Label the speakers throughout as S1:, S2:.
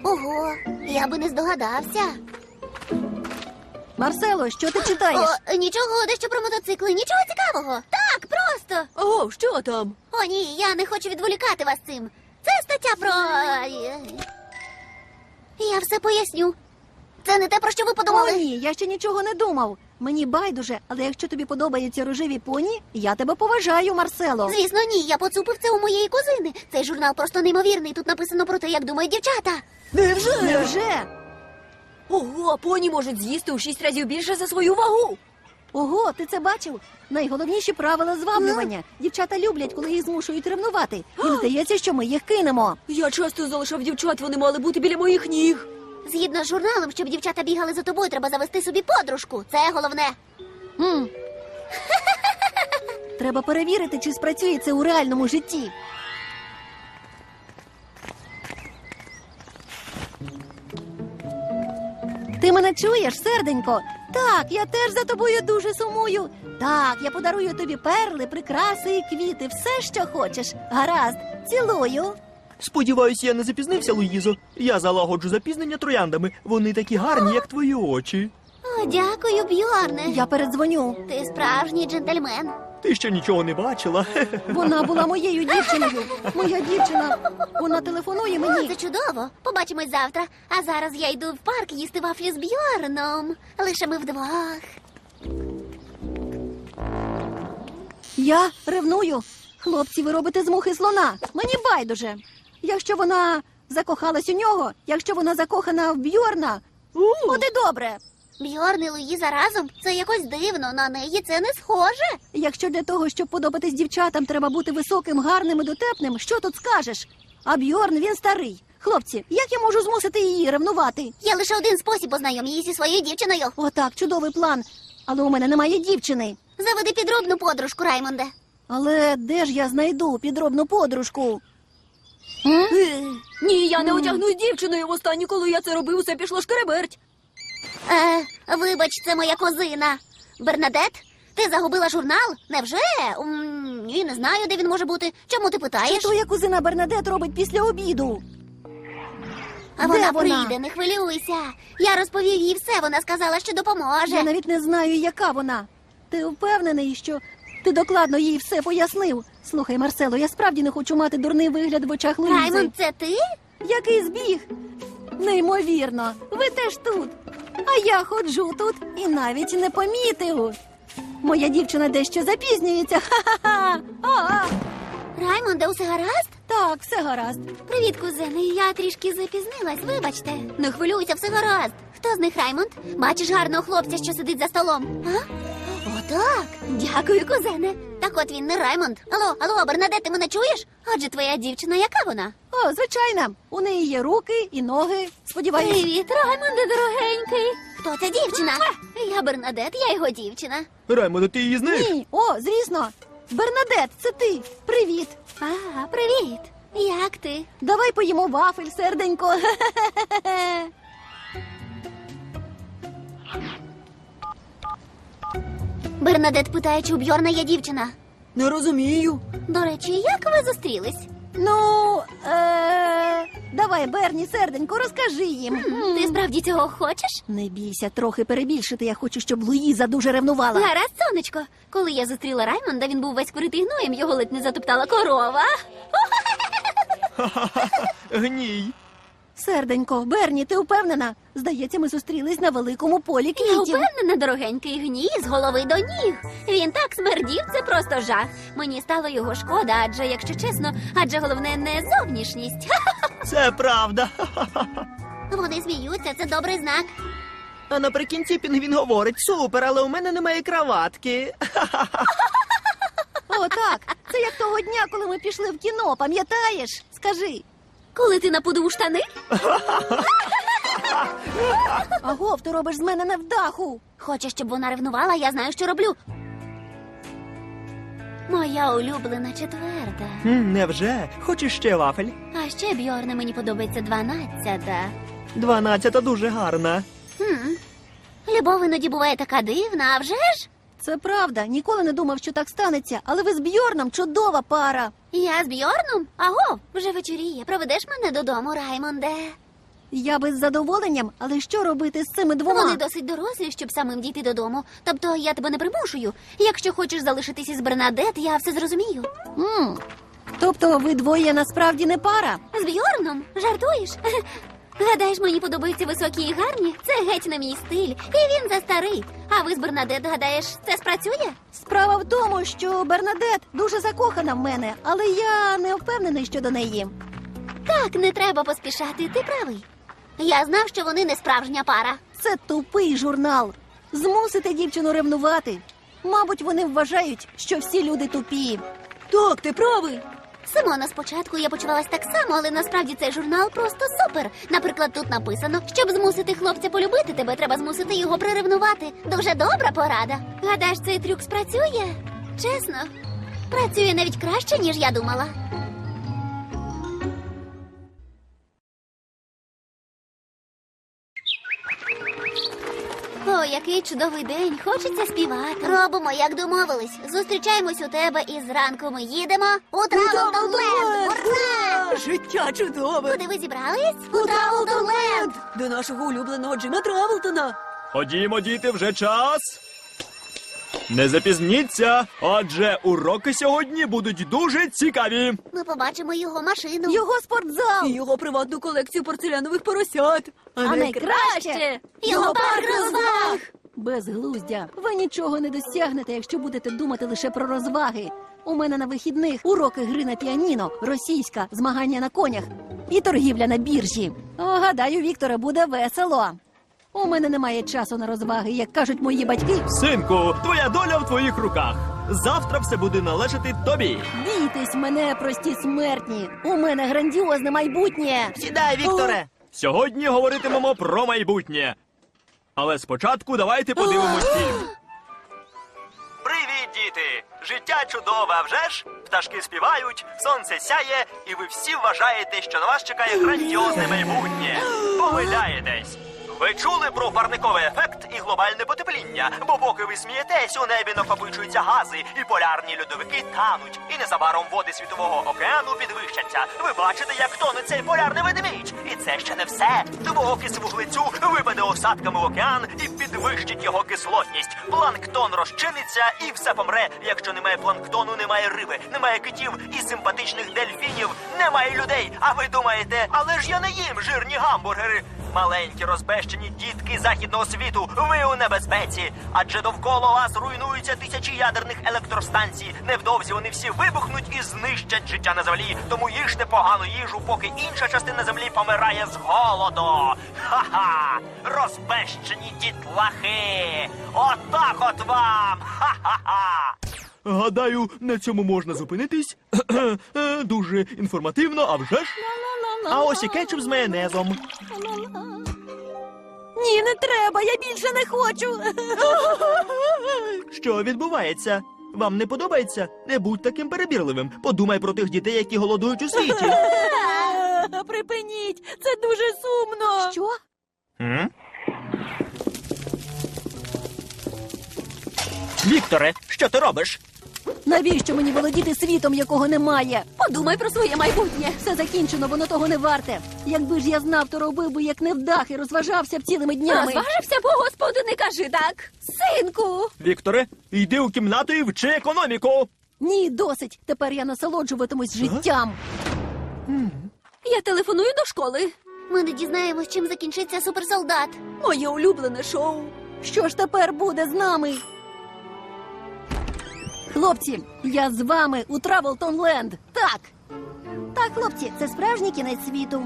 S1: Ого, я би не здогадався.
S2: Марсело, що ти читаєш?
S1: О, нічого, дещо про мотоцикли, нічого цікавого. Так, просто.
S3: О, що там?
S1: О, ні, я не хочу відволікати вас цим. Це стаття про... Я все поясню. Це не те, про що ви
S2: О,
S1: подумали.
S2: ні, я ще нічого не думав. Мені байдуже, але якщо тобі подобаються рожеві поні, я тебе поважаю, Марсело.
S1: Звісно, ні, я поцупив це у моєї кузини. Цей журнал просто неймовірний. Тут написано про те, як думають дівчата.
S3: Невже?
S2: Невже?
S3: Ого, поні можуть з'їсти у 6 разів більше за свою вагу.
S2: Ого, ти це бачив? Найголовніші правила зваблювання. Дівчата люблять, коли їх змушують ревнувати. Їм здається, що ми їх кинемо.
S3: Я часто залишав дівчат, вони мали бути біля моїх ніг.
S1: Згідно з журналом, щоб дівчата бігали за тобою, треба завести собі подружку. Це головне.
S2: М. Треба перевірити, чи спрацює це у реальному житті. Ти мене чуєш, серденько? Так, я теж за тобою дуже сумую. Так, я подарую тобі перли, прикраси і квіти, все, що хочеш. Гаразд, цілую.
S4: Сподіваюсь, я не запізнився, Луїзо. Я залагоджу запізнення трояндами. Вони такі гарні, як твої очі.
S1: О, дякую, Бьорне.
S2: Я передзвоню.
S1: Ти справжній джентльмен.
S4: Ти ще нічого не бачила.
S2: Вона була моєю дівчиною. Моя дівчина. Вона телефонує
S1: О,
S2: мені.
S1: це чудово. Побачимось завтра. А зараз я йду в парк їсти вафлі з Бьорном. Лише ми вдвох.
S2: Я ревную. Хлопці, ви робите з мухи слона. Мені байдуже. Якщо вона закохалась у нього, якщо вона закохана в Бьорна, от і добре.
S1: Бьорн і Луїза разом? Це якось дивно. На неї це не схоже.
S2: Якщо для того, щоб подобатись дівчатам, треба бути високим, гарним і дотепним, що тут скажеш? А Бьорн, він старий. Хлопці, як я можу змусити її ревнувати?
S1: Є лише один спосіб познайом її зі своєю дівчиною.
S2: Отак, чудовий план. Але у мене немає дівчини.
S1: Заведи підробну подружку, Раймонде.
S2: Але де ж я знайду підробну подружку?
S3: Ні, я не одягнусь дівчиною. Востаннє, коли я це робив, усе пішло шкереберть.
S1: Вибач, це моя кузина. Бернадет, ти загубила журнал? Невже? Ні, не знаю, де він може бути. Чому ти
S2: Що
S1: питаєш?
S2: твоя кузина Бернадет робить після обіду?
S1: А вона
S2: Де вона?
S1: прийде, не хвилюйся. Я розповів їй все, вона сказала, що допоможе.
S2: Я навіть не знаю, яка вона. Ти впевнений, що ти докладно їй все пояснив? Слухай, Марсело, я справді не хочу мати дурний вигляд в очах Луїзи.
S1: Раймонд, це ти?
S2: Який збіг? Неймовірно, ви теж тут. А я ходжу тут і навіть не помітив. Моя дівчина дещо запізнюється. Ха-ха-ха! А-а!
S1: Раймонде, усе гаразд?
S2: Так, все гаразд.
S1: Привіт, кузени. Я трішки запізнилась, вибачте. Не хвилюйся, все гаразд. Хто з них Раймонд? Бачиш гарного хлопця, що сидить за столом? А? Отак. Дякую, кузене. Так от він не Раймонд. Алло, Бернадет, ти мене чуєш? Адже твоя дівчина, яка вона?
S2: О, звичайно, у неї є руки і ноги. Сподіваюсь.
S1: Привіт, Раймонде, дорогенький. Хто ця дівчина? Я Бернадет, я його дівчина.
S4: Раймондо, ти її знаєш?
S2: Ні, о, звісно. Бернадет, це ти. Привіт.
S1: А, привіт. Як ти?
S2: Давай поїмо вафель, серденько.
S1: Бернадет питає, чи у Бьорна є дівчина.
S3: Не розумію.
S1: До речі, як ви зустрілись?
S2: Ну, давай, Берні, серденько, розкажи їм.
S1: Ти справді цього хочеш?
S2: Не бійся, трохи перебільшити. Я хочу, щоб Луїза дуже ревнувала.
S1: Гаразд, сонечко. Коли я зустріла Раймонда, він був весь критий гноєм, його ледь не затоптала корова.
S4: Гній.
S2: Серденько, Берні, ти впевнена? Здається, ми зустрілись на великому полі
S1: Я
S2: квітів.
S1: впевнена, дорогенький гній з голови до ніг. Він так смердів, це просто жах. Мені стало його шкода, адже, якщо чесно, головне не зовнішність.
S4: Це правда.
S1: Вони сміються, це добрий знак.
S4: А наприкінці пінгвін говорить: супер, але у мене немає краватки.
S2: О, так. Це як того дня, коли ми пішли в кіно, пам'ятаєш? Скажи.
S1: Коли ти напудив штани?
S2: Агов, ти робиш з мене невдаху.
S1: Хочеш, щоб вона ревнувала, я знаю, що роблю. Моя улюблена четверта.
S4: Невже? Хочеш ще вафель?
S1: А ще, Бьорне, мені подобається 12-та.
S4: 12 дуже гарна.
S1: Любов іноді буває така дивна, а вже ж?
S2: Це правда. Ніколи не думав, що так станеться. Але ви з Бьорном чудова пара.
S1: Я з Бьорном? Аго, вже вечоріє. Проведеш мене додому, Раймонде?
S2: Я би з задоволенням, але що робити з цими двома?
S1: Вони досить дорослі, щоб самим дійти додому. Тобто я тебе не примушую. Якщо хочеш залишитись із Бернадет, я все зрозумію.
S2: Тобто ви двоє насправді не пара?
S1: З Бьорном? Жартуєш? Гадаєш, мені подобаються високі і гарні? Це геть не мій стиль, і він застарий. А ви з Бернадет, гадаєш, це спрацює?
S2: Справа в тому, що Бернадет дуже закохана в мене, але я не впевнений щодо неї.
S1: Так, не треба поспішати, ти правий. Я знав, що вони не справжня пара.
S2: Це тупий журнал. Змусити дівчину ревнувати. Мабуть, вони вважають, що всі люди тупі.
S3: Так, ти правий.
S1: Симона, спочатку я почувалась так само, але насправді цей журнал просто супер. Наприклад, тут написано, щоб змусити хлопця полюбити тебе, треба змусити його приревнувати. Дуже добра порада. Гадаєш, цей трюк спрацює? Чесно, працює навіть краще, ніж я думала. О, який чудовий день, хочеться співати. Робимо, як домовились. Зустрічаємось у тебе і зранку ми їдемо у Травелтонленд. Ура!
S3: Життя чудове.
S1: Куди ви зібрались? У Травелтонленд.
S3: До нашого улюбленого Джима Травелтона.
S4: Ходімо, діти, вже час. Не запізніться, адже уроки сьогодні будуть дуже цікаві.
S1: Ми побачимо його машину.
S2: Його спортзал!
S3: І його приватну колекцію порцелянових поросят.
S2: А найкраще
S1: Його парк розваг.
S2: безглуздя. Ви нічого не досягнете, якщо будете думати лише про розваги. У мене на вихідних уроки гри на піаніно, російська, змагання на конях і торгівля на біржі. О, гадаю, Вікторе, буде весело. У мене немає часу на розваги, як кажуть мої батьки.
S4: Синку, твоя доля в твоїх руках. Завтра все буде належати тобі.
S2: Бійтесь мене, прості смертні. У мене грандіозне майбутнє.
S5: Сідай, Вікторе!
S4: Сьогодні говоритимемо про майбутнє. Але спочатку давайте подивимось фільм. Привіт, діти! Життя чудове, а вже ж? Пташки співають, сонце сяє, і ви всі вважаєте, що на вас чекає грандіозне майбутнє. Помиляєтесь. Ви чули про парниковий ефект і глобальне потепління, бо поки ви смієтесь, у небі накопичуються гази, і полярні льодовики тануть, і незабаром води Світового океану підвищаться. Ви бачите, як тоне цей полярний ведмідь. І це ще не все. Тому окис вуглецю випаде осадками в океан і підвищить його кислотність. Планктон розчиниться і все помре. Якщо немає планктону, немає риби, немає китів і симпатичних дельфінів, немає людей. А ви думаєте, але ж я не їм жирні гамбургери. Маленькі розбещені дітки західного світу, ви у небезпеці. Адже довкола вас руйнуються тисячі ядерних електростанцій. Невдовзі вони всі вибухнуть і знищать життя на землі. Тому їжте погану їжу, поки інша частина землі помирає з голоду. Ха-ха! Розбещені дітлахи! Отак от вам! Ха-ха-ха! Гадаю, на цьому можна зупинитись. Дуже інформативно, а вже ж? А ось і кетчуп з майонезом.
S2: Ні, не треба, я більше не хочу.
S4: Що відбувається? Вам не подобається? Не будь таким перебірливим. Подумай про тих дітей, які голодують у світі.
S2: Припиніть, це дуже сумно. Що?
S4: Вікторе, що ти робиш?
S2: Навіщо мені володіти світом, якого немає?
S3: Подумай про своє майбутнє.
S2: Все закінчено, воно того не варте. Якби ж я знав, то робив би як невдах і розважався б цілими днями.
S3: Розважився, бо господу не кажи так.
S2: Синку!
S4: Вікторе, йди у кімнату і вчи економіку.
S2: Ні, досить. Тепер я насолоджуватимусь життям.
S3: Я телефоную до школи.
S1: Ми не дізнаємось, чим закінчиться суперсолдат.
S3: Моє улюблене шоу.
S2: Що ж тепер буде з нами? Хлопці, я з вами у Травелтонленд. Так. Так, хлопці, це справжній кінець світу.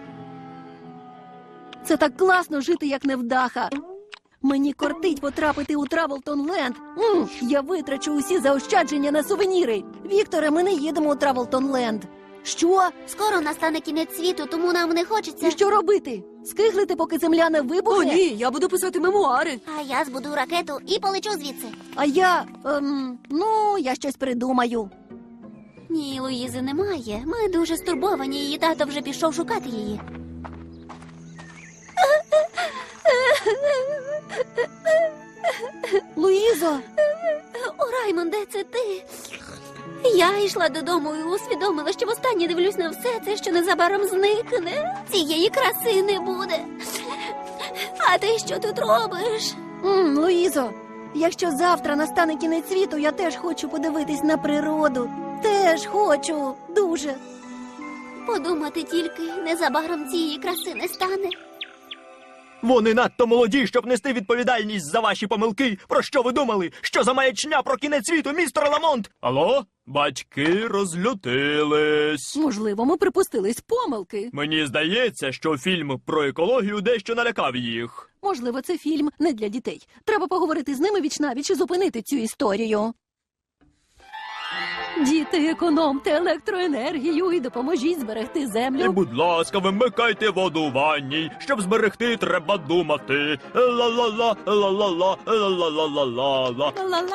S2: Це так класно жити, як невдаха. Мені кортить потрапити у Травелтонленд. Я витрачу усі заощадження на сувеніри. Вікторе, ми не їдемо у Травелтонленд. Що?
S1: Скоро настане кінець світу, тому нам не хочеться.
S2: І що робити? Скиглити, поки земля не
S3: О,
S2: вибухне?
S3: ні, я буду писати мемуари.
S1: А я збудую ракету і полечу звідси.
S2: А я, я щось придумаю.
S1: Ні, Луїзи немає. Ми дуже стурбовані, її тато вже пішов шукати її.
S2: Луїзо,
S1: О, Раймонде, це ти. Я йшла додому і усвідомила, що востаннє дивлюсь на все це, що незабаром зникне. Цієї краси не буде. А ти що тут робиш?
S2: Луїзо, якщо завтра настане кінець світу, я теж хочу подивитись на природу. Теж хочу. Дуже.
S1: Подумати тільки, незабаром цієї краси не стане.
S4: Вони надто молоді, щоб нести відповідальність за ваші помилки. Про що ви думали? Що за маячня про кінець світу, містер Ламонт? Алло? Батьки розлютились.
S2: Можливо, ми припустились помилки.
S4: Мені здається, що фільм про екологію дещо налякав їх.
S2: Можливо, це фільм не для дітей. Треба поговорити з ними вічнавіч і зупинити цю історію. Діти, економте електроенергію і допоможіть зберегти
S4: І,
S2: землю.
S4: будь ласка, вимикайте воду у ванні. Щоб зберегти, треба думати. Ла-ла-ла, ла-ла-ла, ла-ла-ла-ла-ла.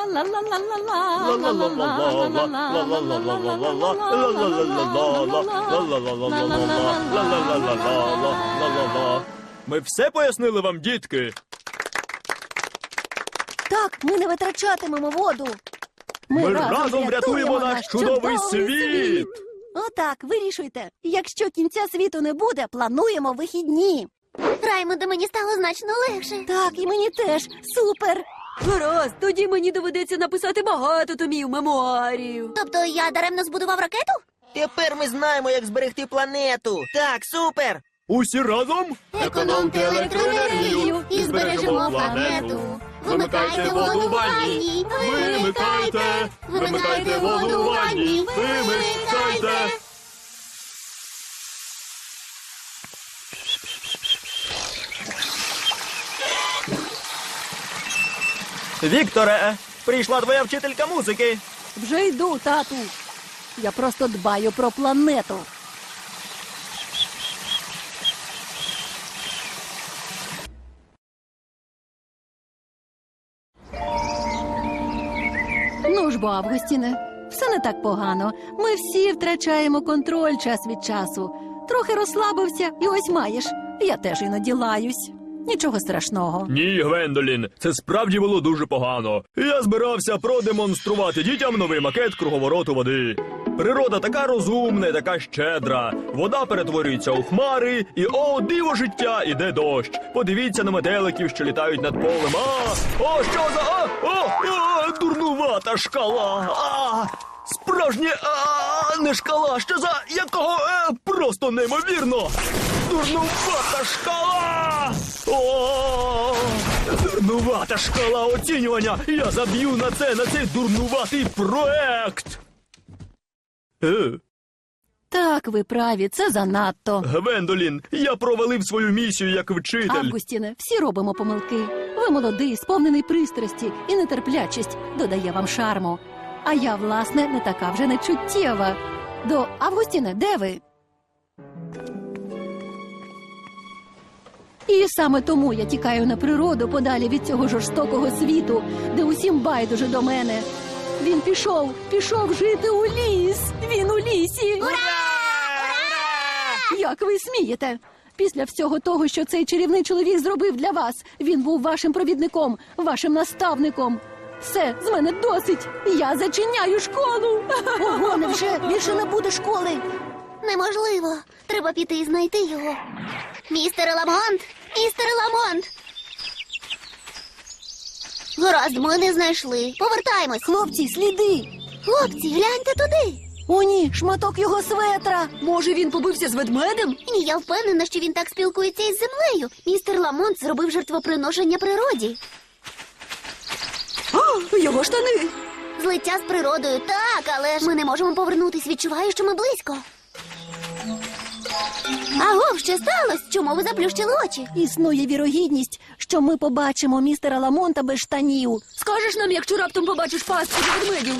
S4: Ми все пояснили вам, дітки?
S2: Так, ми не витрачатимемо воду.
S4: Ми разом врятуємо наш чудовий світ.
S2: Отак, вирішуйте. Якщо кінця світу не буде, плануємо вихідні.
S1: Раймонде, мені стало значно легше.
S2: Так, і мені теж. Супер.
S3: Гаразд, тоді мені доведеться написати багато томів мемуарів.
S1: Тобто я даремно збудував ракету?
S5: Тепер ми знаємо, як зберегти планету. Так, супер!
S4: Усі разом?
S1: Економте електроенергію і збережемо планету. Вимикайте воду в ванні, вимикайте, вимикайте воду в ванні, вимикайте.
S4: Вікторе, прийшла твоя вчителька музики.
S2: Вже йду, тату. Я просто дбаю про планету. Ну ж бо, Августіне, все не так погано. Ми всі втрачаємо контроль час від часу. Трохи розслабився, і ось маєш. Я теж іноді лаюсь. Нічого страшного.
S4: Ні, Гвендолін, це справді було дуже погано. Я збирався продемонструвати дітям новий макет круговороту води. Природа така розумна і така щедра. Вода перетворюється у хмари, і о, диво життя, іде дощ. Подивіться на метеликів, що літають над полем. О, що за... дурнувата шкала. Справжнє, не шкала, що за якого, просто неймовірно. Дурнувата шкала! О, дурнувата шкала оцінювання! Я заб'ю на цей дурнуватий проект!
S2: Так, ви праві, це занадто.
S4: Гвендолін, я провалив свою місію як вчитель.
S2: Августіне, всі робимо помилки. Ви молодий, сповнений пристрасті і нетерплячість додає вам шарму. А я, власне, не така вже нечуттєва. Августіне, де ви? І саме тому я тікаю на природу подалі від цього жорстокого світу, де усім байдуже до мене. Він пішов жити у ліс. Він у лісі.
S1: Ура!
S2: Як ви смієте? Після всього того, що цей чарівний чоловік зробив для вас, він був вашим провідником, вашим наставником. Все, з мене досить. Я зачиняю школу. Ого, невже більше не буде школи?
S1: Неможливо. Треба піти і знайти його. Містер Ламонт! Містер Ламонт! Гаразд, ми не знайшли. Повертаємось.
S2: Хлопці, сліди.
S1: Хлопці, гляньте туди.
S2: О, ні, шматок його светра.
S3: Може, він побився з ведмедем?
S1: Ні, я впевнена, що він так спілкується із землею. Містер Ламонт зробив жертвоприношення природі.
S3: О, його штани!
S1: Злиття з природою, так, але ж ми не можемо повернутись. Відчуваю, що ми близько. Агов, що сталося? Чому ви заплющили очі?
S2: Існує вірогідність, що ми побачимо містера Ламонта без штанів.
S3: Скажеш нам, якщо раптом побачиш пастку ведмедів?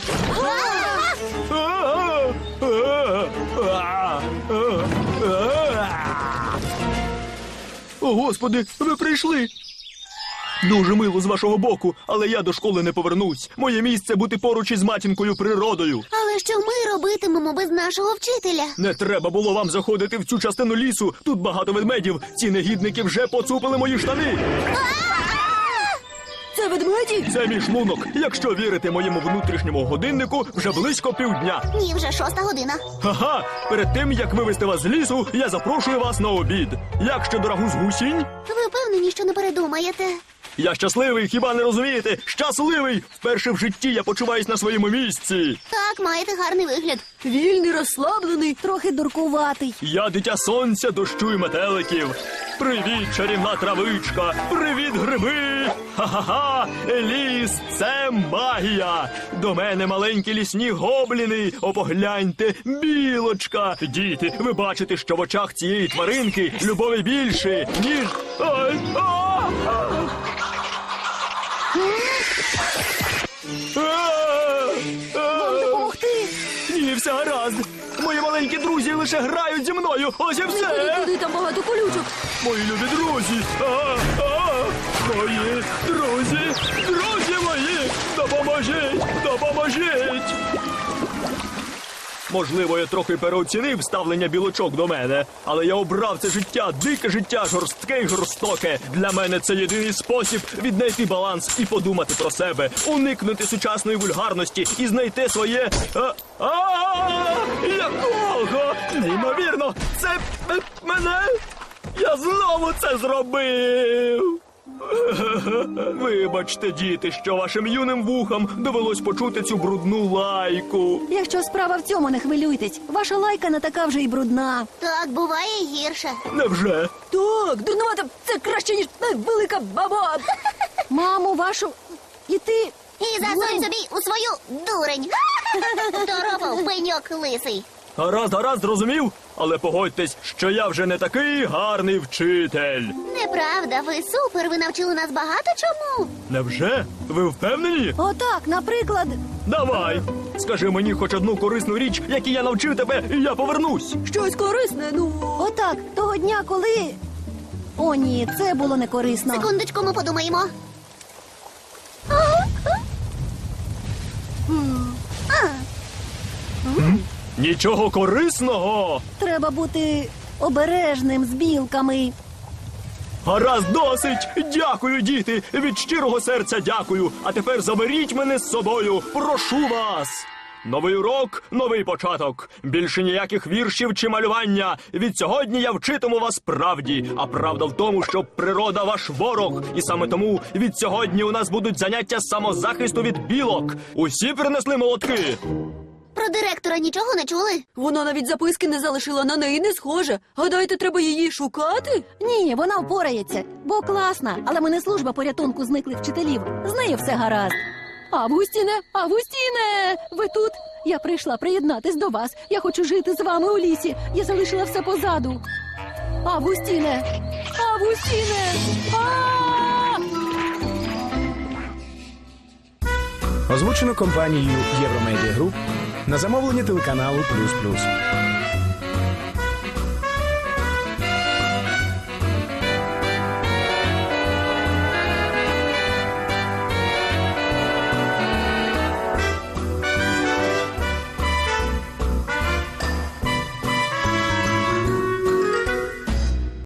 S4: О, Господи, ви прийшли! Дуже мило з вашого боку, але я до школи не повернусь. Моє місце бути поруч із матінкою природою.
S1: Але що ми робитимемо без нашого вчителя?
S4: Не треба було вам заходити в цю частину лісу. Тут багато ведмедів. Ці негідники вже поцупили мої штани.
S3: Це ведмеді?
S4: Це мій шлунок. Якщо вірити моєму внутрішньому годиннику, вже близько півдня.
S1: Ні, вже 6 година.
S4: Ха-ха! Перед тим, як вивезти вас з лісу, я запрошую вас на обід. Як щодо рагу з гусінь?
S1: Ви впевнені, що не передумаєте?
S4: Я щасливий, хіба не розумієте? Щасливий! Вперше в житті я почуваюсь на своєму місці.
S1: Так, маєте гарний вигляд.
S3: Вільний, розслаблений.
S2: Трохи дуркуватий.
S4: Я дитя сонця, дощу і метеликів. Привіт, чарівна травичка! Привіт, гриби! Ха-ха-ха! Ліс — це магія! До мене маленькі лісні гобліни! О, погляньте, білочка! Діти, ви бачите, що в очах цієї тваринки любові більше, ніж... Ай!
S2: Вам допомогти?
S4: Ні, все гаразд! Мої маленькі друзі лише грають зі мною! Ось і
S3: Не ходи
S4: все!
S3: туди, там багато колючок.
S4: Мої любі друзі! Мої друзі! Друзі мої! Допоможіть! Допоможіть! Можливо, я трохи переоцінив ставлення білочок до мене, але я обрав це життя, дике життя, жорстке й жорстоке. Для мене це єдиний спосіб віднайти баланс і подумати про себе, уникнути сучасної вульгарності і знайти своє... Якого? Неймовірно! Це мене? Я знову це зробив! Вибачте, діти, що вашим юним вухам довелось почути цю брудну лайку.
S2: Якщо справа в цьому, не хвилюйтесь. Ваша лайка не така вже й брудна.
S1: Так, буває і гірше.
S4: Невже?
S3: Так, дурнувата, це краще, ніж велика баба.
S2: Маму вашу... І ти...
S1: І засунь собі у свою дурень. Торопав пеньок лисий.
S4: Гаразд, зрозумів? Але погодьтесь, що я вже не такий гарний вчитель.
S1: Неправда, ви супер, ви навчили нас багато чому.
S4: Невже? Ви впевнені?
S2: Отак, наприклад...
S4: Давай! Скажи мені хоч одну корисну річ, якій я навчив тебе, і я повернусь.
S3: Щось корисне, ну.
S2: Отак, того дня, коли... О, ні, це було не корисно.
S1: Секундочку, ми подумаємо.
S4: Нічого корисного.
S2: Треба бути обережним з білками.
S4: Гаразд, досить! Дякую, діти! Від щирого серця дякую! А тепер заберіть мене з собою! Прошу вас! Новий урок, новий початок. Більше ніяких віршів чи малювання. Від сьогодні я вчитиму вас правді. А правда в тому, що природа ваш ворог. І саме тому від сьогодні у нас будуть заняття з самозахисту від білок. Усі принесли молотки?
S1: Про директора нічого не чули?
S3: Вона навіть записки не залишила, на неї не схоже. Гадаєте, треба її шукати?
S2: Ні, вона впорається, бо класна. Але ми не служба порятунку зниклих вчителів. З нею все гаразд. Августіне, ви тут? Я прийшла приєднатись до вас. Я хочу жити з вами у лісі. Я залишила все позаду. Августіне!
S6: Озвучено компанією Євромедіа Груп на замовлення телеканалу «Плюс Плюс».